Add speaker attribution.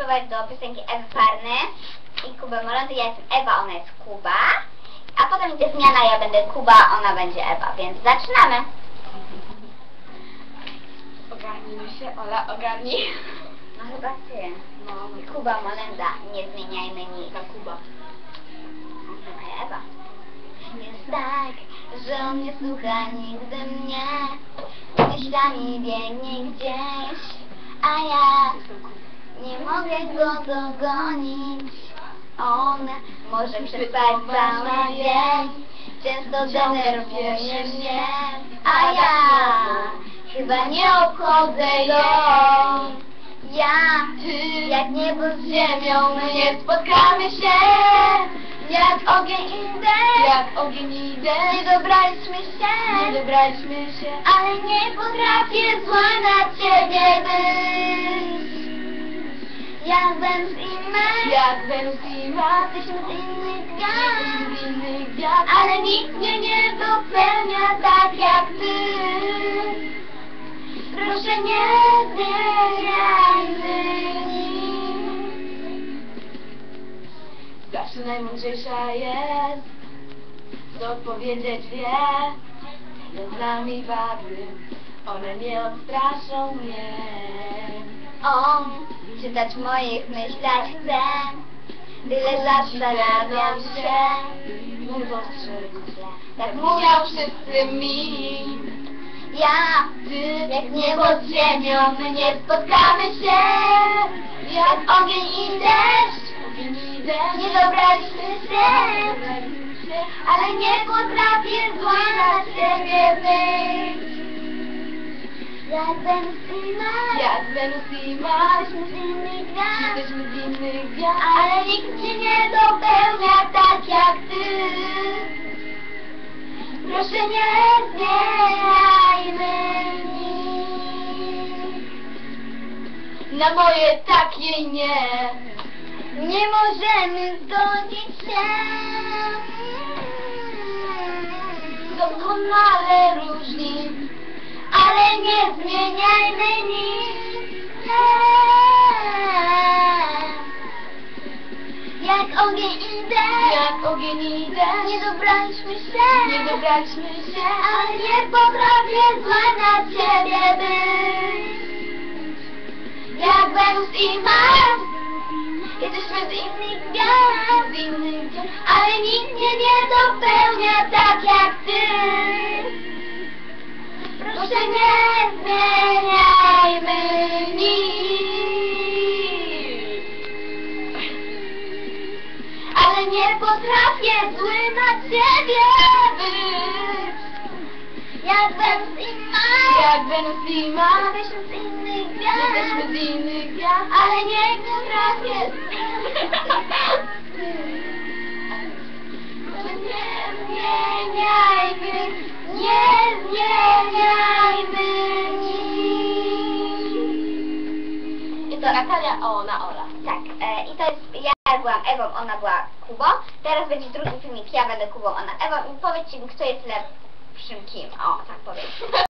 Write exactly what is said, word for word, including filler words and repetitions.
Speaker 1: nawiązywać do piosenki Ewy Farny i Kuby Moronty. Ja jestem Ewa, ona jest Kuba. A potem idzie zmiana, ja będę Kuba, ona będzie Ewa, więc zaczynamy.
Speaker 2: Ogarnijmy się, Ola, ogarnij.
Speaker 1: No chyba ty.
Speaker 2: No, no.
Speaker 1: Kuba Molenda, nie zmieniajmy nic.
Speaker 2: Ta Kuba.
Speaker 1: A ja Ewa. Jest tak, że on nie słucha nigdy mnie. Myślami biegnie gdzieś, a ja nie mogę go dogonić. On może przespać cały dzień, często denerwuje mnie, a ja chyba nie obchodzę go. Ja, jak niebo z ziemią, my nie spotkamy się. Jak ogień i deszcz,
Speaker 2: Jak ogień i deszcz,
Speaker 1: nie dobraliśmy się,
Speaker 2: nie dobraliśmy się,
Speaker 1: ale nie potrafię zła na ciebie być. Jak Wenus i my,
Speaker 2: jak Wenus i Mars,
Speaker 1: jesteśmy z innych
Speaker 2: jesteśmy
Speaker 1: gwiazd,
Speaker 2: z innych gwiazd,
Speaker 1: ale nikt mnie nie dopełnia tak jak ty. Proszę nie zmieniajmy nic.
Speaker 2: zawsze najmądrzejsza jest, co odpowiedzieć wie. Jest z nami wady, one nie odstraszą mnie.
Speaker 1: On czytać w moich myślach chce, tyle zastanawiam się.
Speaker 2: Nie dostrzegł,
Speaker 1: Tak
Speaker 2: mówią wszyscy mi.
Speaker 1: Ja,
Speaker 2: Ty,
Speaker 1: jak niebo z ziemią, my nie spotkamy się. Jak ogień i deszcz,
Speaker 2: ogień i deszcz,
Speaker 1: nie dobraliśmy się,
Speaker 2: nie dobraliśmy się,
Speaker 1: ale nie potrafię zła na ciebie być. Jak Wenus i Mars,
Speaker 2: jak Wenus i Mars,
Speaker 1: jesteśmy z innych gwiazd,
Speaker 2: jesteśmy z innych gwiazd,
Speaker 1: ale nikt mnie nie dopełnia tak jak ty. Proszę nie zmieniajmy nic.
Speaker 2: na moje takie nie.
Speaker 1: Nie możemy zgodzić się.
Speaker 2: Doskonale różni,
Speaker 1: Ale nie zmieniajmy nic. Jak ogień i deszcz,
Speaker 2: jak ogień i deszcz,
Speaker 1: nie dobraliśmy się,
Speaker 2: nie dobraliśmy się,
Speaker 1: ale nie potrafię zła na ciebie być. Jak Wenus i Mars, jesteśmy z innych gwiazd,
Speaker 2: z innych gwiazd,
Speaker 1: ale nikt mnie nie dopełnia tak jak ty. Proszę nie zmieniajmy nic. Ale nie potrafię zły na ciebie być. Jak Wenus i Mars,
Speaker 2: jak Wenus i Mars,
Speaker 1: jesteśmy z innych
Speaker 2: jesteśmy z
Speaker 1: gwiazd,
Speaker 2: innych gwiazd,
Speaker 1: ale nie potrafię. To nie zmieniajmy, nie zmieniajmy nic.
Speaker 2: I to Natalia, a ona Ola.
Speaker 1: Tak, e, i to jest, ja byłam Ewą, ona była Kubą. Teraz będzie drugi filmik, ja będę Kubą, ona Ewą. I powiedzcie mi, kto jest lepszym kim. O, tak powiem.